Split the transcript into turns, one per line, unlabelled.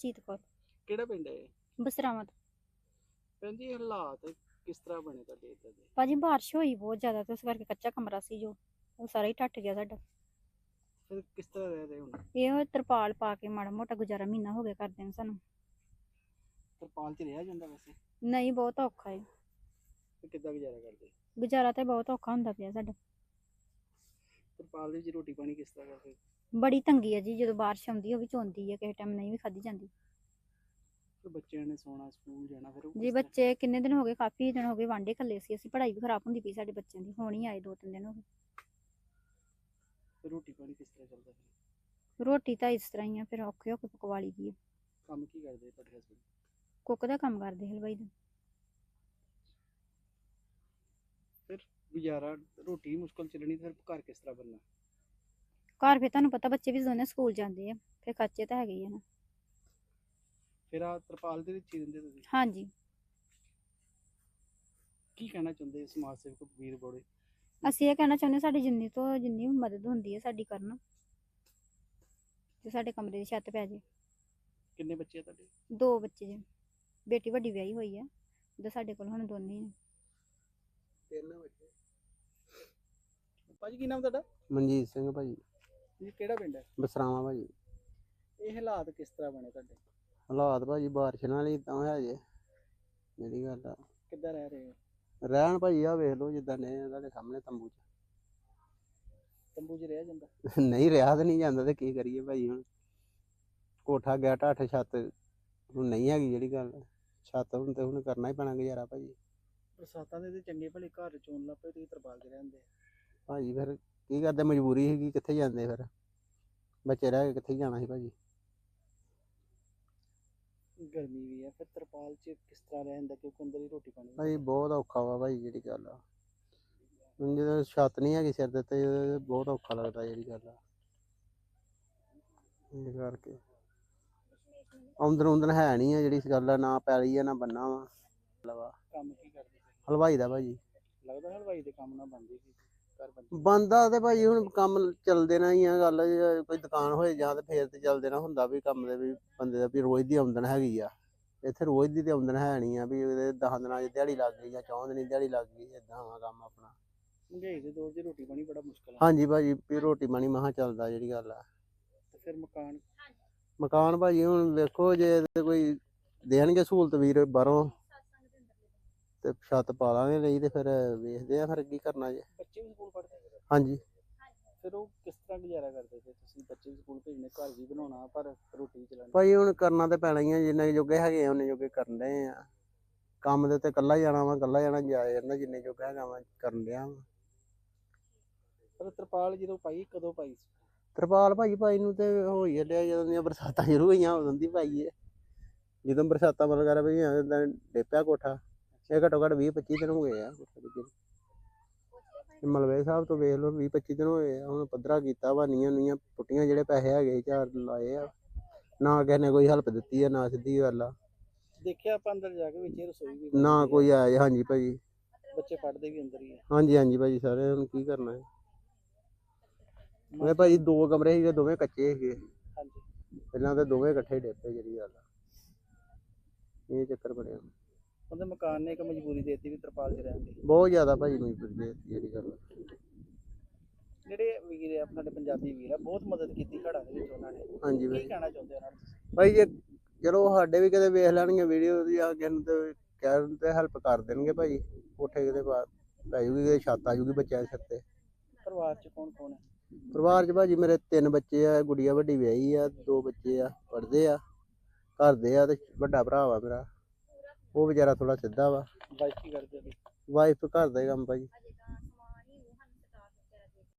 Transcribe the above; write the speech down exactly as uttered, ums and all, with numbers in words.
ਹਰਜੀਤ ਕੌਰ।
ਕਿਹੜਾ ਪਿੰਡ ਹੈ ਇਹ?
ਬਸਰਾਵਾਂ ਤੋਂ।
ਭੈਣ ਜੀ ਇਹ ਹਾਲਾਤ ਕਿਸ ਤਰ੍ਹਾਂ ਬਣੇ ਤੁਹਾਡੇ ਇੱਧਰ ਦੇ?
ਭਾਜੀ ਬਾਰਿਸ਼ ਹੋਈ ਬਹੁਤ ਜ਼ਿਆਦਾ ਤੇ ਉਸ ਕਰਕੇ ਕੱਚਾ ਕਮਰਾ ਸੀ ਜੋ ਉਹ ਸਾਰਾ ਹੀ ਟੱਟ ਗਿਆ ਸਾਡਾ।
ਫਿਰ ਕਿਸ ਤਰ੍ਹਾਂ ਰਹਿ ਰਹੇ ਹੁਣ?
ਇਹ ਤਰਪਾਲ ਪਾ ਕੇ ਮਾੜਾ ਮੋਟਾ ਗੁਜ਼ਾਰਾ ਮਹੀਨਾ ਹੋ ਗਿਆ ਕਰਦੇ ਨੂੰ ਸਾਨੂੰ।
ਤਰਪਾਲ 'ਚ ਰਿਹਾ ਜਾਂਦਾ ਵੈਸੇ?
ਨਹੀਂ ਬਹੁਤ ਔਖਾ ਹੈ।
ਫਿਰ ਕਿੱਦਾਂ ਗੁਜ਼ਾਰਾ ਕਰਦੇ?
ਗੁਜ਼ਾਰਾ ਤੇ ਬਹੁਤ ਔਖਾ ਹੁੰਦਾ ਪਿਆ ਸਾਡਾ।
ਤਰਪਾਲ ਦੇ ਵਿੱਚ ਰੋਟੀ ਪਾਣੀ ਕਿਸ ਤਰ੍ਹਾਂ ਕਰਦੇ?
ਬੜੀ ਤੰਗੀ ਹੈ ਜੀ, ਜਦੋਂ ਬਾਰਿਸ਼ ਆਉਂਦੀ ਉਹ ਵੀ ਚੋਂਦੀ ਹੈ, ਕਿਸੇ ਟਾਈਮ ਨਹੀਂ ਵੀ ਖਾਧੀ ਜਾਂਦੀ।
ਫਿਰ ਬੱਚਿਆਂ ਨੇ ਸੌਣਾ, ਸਕੂਲ ਜਾਣਾ, ਫਿਰ ਉਹ
ਜੀ
ਕਿਸ ਤਰ੍ਹਾਂ?
ਬੱਚੇ ਕਿੰਨੇ ਦਿਨ ਹੋ ਗਏ, ਕਾਫੀ ਦਿਨ ਹੋ ਗਏ ਵਾਂਡੇ ਖੱਲੇ ਸੀ ਅਸੀਂ, ਪੜ੍ਹਾਈ ਵੀ ਖਰਾਬ ਹੁੰਦੀ ਪਈ ਸਾਡੇ ਬੱਚਿਆਂ ਦੀ, ਹੁਣ ਹੀ ਆਏ ਦੋ ਤਿੰਨ ਦਿਨ ਹੋ ਗਏ।
ਫਿਰ ਰੋਟੀ ਪਾਣੀ ਕਿਸ ਤਰ੍ਹਾਂ ਚੱਲਦਾ? ਫਿਰ
ਰੋਟੀ ਤਾਂ ਇਸ ਤਰ੍ਹਾਂ ਹੀ ਆ, ਫਿਰ ਔਖੇ ਹੋ ਕੇ ਪਕਵਾ ਲਈ ਦੀ ਹੈ।
ਕੰਮ ਕੀ ਕਰਦੇ ਤੁਹਾਡੇ ਹਸਬੰਦ?
ਕੁੱਕ ਦਾ ਕੰਮ ਕਰਦੇ, ਹਲਵਾਈ ਦਾ।
ਫਿਰ ਗੁਜ਼ਾਰਾ, ਰੋਟੀ ਮੁਸ਼ਕਲ ਚੱਲਣੀ, ਫਿਰ ਘਰ ਕਿਸ ਤਰ੍ਹਾਂ ਬਣਨਾ?
ਘਰ ਫਿਰ ਤੁਹਾਨੂੰ ਪਤਾ ਬੱਚੇ ਵੀ ਦੋਨੇ ਸਕੂਲ ਜਾਂਦੇ ਆ, ਫਿਰ ਖਰਚੇ ਤਾਂ ਹੈਗੇ ਹੀ ਆ ਨਾ।
ਫਿਰ ਆ ਤਰਪਾਲ ਦੇ ਵਿੱਚ ਹੀ ਰਹਿੰਦੇ ਤੁਸੀਂ?
ਹਾਂਜੀ।
ਕੀ ਕਹਿਣਾ ਚਾਹੁੰਦੇ ਸਮਾਜ ਸੇਵਕ ਵੀਰ ਬੋੜੇ?
ਅਸੀਂ ਇਹ ਕਹਿਣਾ ਚਾਹੁੰਦੇ ਸਾਡੀ ਜਿੰਨੀ ਤੋਂ ਜਿੰਨੀ ਵੀ ਮਦਦ ਹੁੰਦੀ ਹੈ ਸਾਡੀ ਕਰਨ, ਤੇ ਸਾਡੇ ਕਮਰੇ ਦੀ ਛੱਤ ਪੈ ਜੇ।
ਕਿੰਨੇ ਬੱਚੇ ਆ ਤੁਹਾਡੇ?
ਦੋ ਬੱਚੇ ਜੀ, ਬੇਟੀ ਵੱਡੀ ਵਿਆਹੀ ਹੋਈ ਆ ਤੇ ਸਾਡੇ ਕੋਲ ਹੁਣ ਦੋਨੇ ਹੀ ਨੇ।
ਤਿੰਨ ਬੱਚੇ। ਭਾਜੀ ਕੀ ਨਾਮ ਤੁਹਾਡਾ?
ਮਨਜੀਤ ਸਿੰਘ ਭਾਜੀ।
ਜੀ ਕਿਹੜਾ ਪਿੰਡ ਹੈ?
ਬਸਰਾਵਾਂ ਭਾਜੀ।
ਇਹ ਹਾਲਾਤ ਕਿਸ ਤਰ੍ਹਾਂ ਬਣੇ ਤੁਹਾਡੇ?
ਹਾਲਾਤ ਭਾਜੀ ਬਾਰਿਸ਼ ਨਾਲ ਹੀ ਤਾਂ ਹੈ ਜੇ, ਜਿਹੜੀ ਗੱਲ ਆ।
ਕਿੱਦਾਂ ਰਹਿ ਰਹੇ ਹੋ?
ਰਹਿਣ ਭਾਜੀ ਆ ਵੇਖ ਲਓ ਜਿੱਦਾਂ ਨੇ ਤੁਹਾਡੇ ਸਾਹਮਣੇ ਤੰਬੂ 'ਚ।
ਤੰਬੂ 'ਚ ਰਿਹਾ ਜਾਂਦਾ?
ਨਹੀਂ ਰਿਹਾ ਤਾਂ ਨਹੀਂ ਜਾਂਦਾ ਤੇ ਕੀ ਕਰੀਏ ਭਾਜੀ ਹੁਣ। ਕੋਠਾ ਗਿਆ ਢੱਠ, ਛੱਤ ਹੁਣ ਨਹੀਂ ਹੈਗੀ ਜਿਹੜੀ ਗੱਲ। ਛੱਤ ਹੁਣ ਤੇ ਹੁਣ ਕਰਨਾ ਹੀ ਪੈਣਾ ਗੁਜ਼ਾਰਾ ਭਾਜੀ।
ਬਰਸਾਤਾਂ ਦੇ ਤੇ ਚੰਗੇ ਭਲੇ ਘਰ ਚੋਣ ਲੱਗ ਪਏ, ਤੁਸੀਂ ਤਰਪਾਲ 'ਚ ਰਹਿੰਦੇ।
ਭਾਜੀ ਫਿਰ ਕੀ ਕਰਦੇ, ਮਜਬੂਰੀ ਸੀਗੀ, ਕਿੱਥੇ ਜਾਂਦੇ ਫਿਰ, ਬੱਚੇ ਰਹਿ ਕੇ ਕਿੱਥੇ ਜਾਣਾ ਸੀ ਭਾਜੀ।
ਗਰਮੀ ਵੀ ਹੈ, ਫਿਰ ਤਰਪਾਲ 'ਚ ਕਿਸ ਤਰ੍ਹਾਂ ਰਹਿ ਜਾਂਦਾ ਕਿਉਂਕਿ ਅੰਦਰ ਹੀ ਰੋਟੀ ਪਾਣੀ?
ਭਾਜੀ ਬਹੁਤ ਔਖਾ ਵਾ ਭਾਜੀ ਜਿਹੜੀ ਗੱਲ ਆ। ਹੁਣ ਜਦੋਂ ਛੱਤ ਨਹੀਂ ਹੈਗੀ ਸਿਰ ਦੇ ਤੇ ਬਹੁਤ ਔਖਾ ਲੱਗਦਾ ਜਿਹੜੀ ਗੱਲ ਆ। ਇਸ ਕਰਕੇ ਆਮਦਨ ਆਮਦਨ ਹੈ ਨਹੀਂ ਆ ਜਿਹੜੀ ਗੱਲ ਆ, ਨਾ ਪੈਲੀ ਆ ਨਾ ਬੰਨਾ ਵਾ।
ਕੰਮ ਕੀ ਕਰਦੇ?
ਹਲਵਾਈ ਦਾ ਭਾਜੀ।
ਲੱਗਦਾ ਹਲਵਾਈ ਦੇ ਕੰਮ ਨਾਲ ਬਣਦੀ ਸੀ ਘਰ ਬੰਦੀ?
ਬੰਦਾ ਤੇ ਭਾਜੀ ਹੁਣ ਕੰਮ ਚੱਲਦੇ ਨਾ ਹੀ ਆ ਗੱਲ, ਜੇ ਕੋਈ ਦੁਕਾਨ ਹੋਏ ਜਾਂ ਤੇ ਫੇਰ ਤੇ ਚੱਲਦੇ ਨਾ ਹੁੰਦਾ ਵੀ ਕੰਮ ਦੇ ਵੀ ਬੰਦੇ ਦਾ ਵੀ ਰੋਜ਼ ਦੀ ਆਮਦਨ ਹੈਗੀ ਆ। ਇੱਥੇ ਰੋਜ਼ ਦੀ ਤੇ ਆਮਦਨ ਹੈ ਨਹੀਂ ਆ ਵੀ ਉਹਦੇ ਦਸ ਦਿਨਾਂ ਦੀ ਦਿਹਾੜੀ ਲੱਗ ਗਈ ਜਾਂ ਚੌਂ ਦਿਨੀ ਦਿਹਾੜੀ ਲੱਗ ਗਈ, ਏਦਾਂ ਵਾ ਕੰਮ ਆਪਣਾ।
ਮਹਿੰਗਾਈ ਦੇ ਦੌਰ 'ਚ ਰੋਟੀ ਪਾਣੀ ਬੜਾ ਮੁਸ਼ਕਲ ਆ।
ਹਾਂਜੀ ਭਾਜੀ ਵੀ ਰੋਟੀ ਪਾਣੀ ਮਸਾਂ ਚੱਲਦਾ ਜਿਹੜੀ ਗੱਲ ਆ।
ਤੇ ਫਿਰ ਮਕਾਨ?
ਮਕਾਨ ਭਾਜੀ ਹੁਣ ਵੇਖੋ ਜੇ ਤੇ ਕੋਈ ਦੇਣਗੇ ਸਹੂਲਤ ਵੀਰ ਬਾਹਰੋਂ ਤੇ ਛੱਤ ਪਾ ਲਾਂਗੇ, ਨਹੀਂ ਤੇ ਫਿਰ ਵੇਖਦੇ ਆ ਫਿਰ ਕੀ ਕਰਨਾ ਜੇ।
ਬੱਚੇ ਵੀ ਸਕੂਲ ਪੜ੍ਹਦੇ?
ਹਾਂਜੀ।
ਫਿਰ ਉਹ ਕਿਸ ਤਰ੍ਹਾਂ ਗੁਜ਼ਾਰਾ ਕਰਦੇ ਫਿਰ ਤੁਸੀਂ? ਬੱਚੇ ਵੀ ਸਕੂਲ ਭੇਜਣੇ, ਘਰ ਵੀ ਬਣਾਉਣਾ, ਪਰ ਰੋਟੀ ਵੀ ਚਲਾਉਣੀ।
ਭਾਜੀ ਹੁਣ ਕਰਨਾ ਤੇ ਪੈਣਾ ਹੀ ਆ, ਜਿੰਨੇ ਜੋਗੇ ਹੈਗੇ ਆ ਉਹਨੇ ਜੋਗੇ ਕਰਨ ਡਏ ਆ। ਕੰਮ ਦੇ ਉੱਤੇ ਇਕੱਲਾ ਹੀ ਜਾਣਾ ਵਾ, ਇਕੱਲਾ ਜਾਣਾ ਜਾਇਆ ਜਾਂਦਾ, ਜਿੰਨੇ ਜੋਗਾ ਹੈਗਾ ਵਾ ਕਰਨ ਡਿਆ ਵਾ।
ਪਰ ਤਰਪਾਲ ਜਦੋਂ ਪਾਈ ਕਦੋਂ ਪਾਈ ਸੀ?
ਤਰਪਾਲ ਭਾਜੀ ਪਾਈ ਨੂੰ ਤੇ ਹੋਈ ਚੱਲਿਆ ਜਦੋਂ ਦੀਆਂ ਬਰਸਾਤਾਂ ਸ਼ੁਰੂ ਹੋਈਆਂ ਉਦੋਂ ਦੀ ਪਾਈ ਹੈ। ਜਦੋਂ ਬਰਸਾਤਾਂ ਵਗੈਰਾ ਪਈਆਂ ਉਦੋਂ ਡੇਪਿਆ ਕੋਠਾ। ਇਹ ਘੱਟੋ ਘੱਟ ਵੀਹ ਪੱਚੀ ਦਿਨ ਹੋ ਗਏ ਆ ਮਲਵੇ ਸਾਹਿਬ ਤੋਂ ਵੇਖ ਲਓ, ਵੀਹ ਪੱਚੀ ਦਿਨ ਹੋਏ ਆ। ਹੁਣ ਪੱਧਰਾ ਕੀਤਾ ਵਾ, ਨੀਆਂ ਨੀਆਂ ਪੁੱਟੀਆਂ, ਜਿਹੜੇ ਪੈਸੇ ਹੈਗੇ ਚਾਰ ਲਾਏ ਆ, ਨਾ ਕਿਸੇ ਨੇ ਕੋਈ ਹੈਲਪ ਦਿੱਤੀ ਆ, ਨਾ ਸਿੱਧੀ ਗੱਲ ਆ।
ਦੇਖਿਆ ਆਪਾਂ ਅੰਦਰ ਜਾ ਕੇ, ਵਿੱਚ ਰਸੋਈ ਵੀ
ਨਾ ਕੋਈ ਆਇਆ। ਹਾਂਜੀ ਭਾਜੀ।
ਬੱਚੇ ਪੜ੍ਹਦੇ ਵੀ ਅੰਦਰ ਹੀ ਆ?
ਹਾਂਜੀ ਹਾਂਜੀ ਭਾਜੀ, ਸਾਰੇ ਹੁਣ ਕੀ ਕਰਨਾ ਹੈ। ਮੈਂ ਭਾਜੀ ਦੋ ਕਮਰੇ ਸੀਗੇ, ਦੋਵੇਂ ਕੱਚੇ ਸੀਗੇ।
ਹਾਂਜੀ।
ਪਹਿਲਾਂ ਤਾਂ ਦੋਵੇਂ ਇਕੱਠੇ ਡੇਪੇ ਜਿਹੜੀ ਗੱਲ ਆ, ਇਹ ਚੱਕਰ ਬਣਿਆ।
ਉਹਦੇ ਮਕਾਨ ਨੇ ਇੱਕ ਮਜਬੂਰੀ ਦੇ ਦਿੱਤੀ ਵੀ ਤਰਪਾਲ 'ਚ ਰਹਿਣ ਦੀ।
ਬਹੁਤ ਜ਼ਿਆਦਾ ਭਾਜੀ ਮਜਬੂਰੀ ਦੇ ਦਿੱਤੀ ਜਿਹੜੀ ਗੱਲ ਆ।
ਜਿਹੜੇ ਵੀਰ ਆ ਸਾਡੇ ਪੰਜਾਬੀ ਵੀਰ ਆ, ਬਹੁਤ ਮਦਦ ਕੀਤੀ ਹੜ੍ਹਾਂ ਦੇ ਵਿੱਚ ਉਹਨਾਂ ਨੇ।
ਹਾਂਜੀ
ਕੀ
ਭਾਜੀ।
ਕਹਿਣਾ ਚਾਹੁੰਦੇ ਉਹਨਾਂ ਨੂੰ ਤੁਸੀਂ?
ਭਾਈ ਜੇ ਚਲੋ ਸਾਡੇ ਵੀ ਕਿਤੇ ਵੇਖ ਲੈਣਗੇ ਵੀਡੀਓ ਦੀ ਆ ਕਿਸੇ ਨੂੰ ਤੇ ਕਹਿਣ ਤੇ ਹੈਲਪ ਕਰ ਦੇਣਗੇ ਭਾਜੀ। ਕੋਠੇ ਕਿਤੇ ਪੈ ਜੂਗੀ, ਛੱਤ ਆ ਜੂਗੀ ਬੱਚਿਆਂ ਦੇ ਸਿਰ ਤੇ।
ਪਰਿਵਾਰ 'ਚ ਕੌਣ ਕੌਣ ਹੈ?
ਪਰਿਵਾਰ 'ਚ ਭਾਜੀ ਮੇਰੇ ਤਿੰਨ ਬੱਚੇ ਆ, ਗੁੜੀਆ ਵੱਡੀ ਵਿਆਹੀ ਆ, ਦੋ ਬੱਚੇ ਆ ਪੜ੍ਹਦੇ ਆ, ਘਰ ਦੇ ਆ, ਤੇ ਵੱਡਾ ਭਰਾ ਵਾ ਮੇਰਾ, ਉਹ ਵਿਚਾਰਾ ਥੋੜਾ ਸਿੱਧਾ ਵਾ।
ਵਾਈਫ ਕੀ ਕਰਦੇ?
ਵਾਈਫ ਘਰ ਦਾ ਹੀ ਕੰਮ ਭਾਜੀ।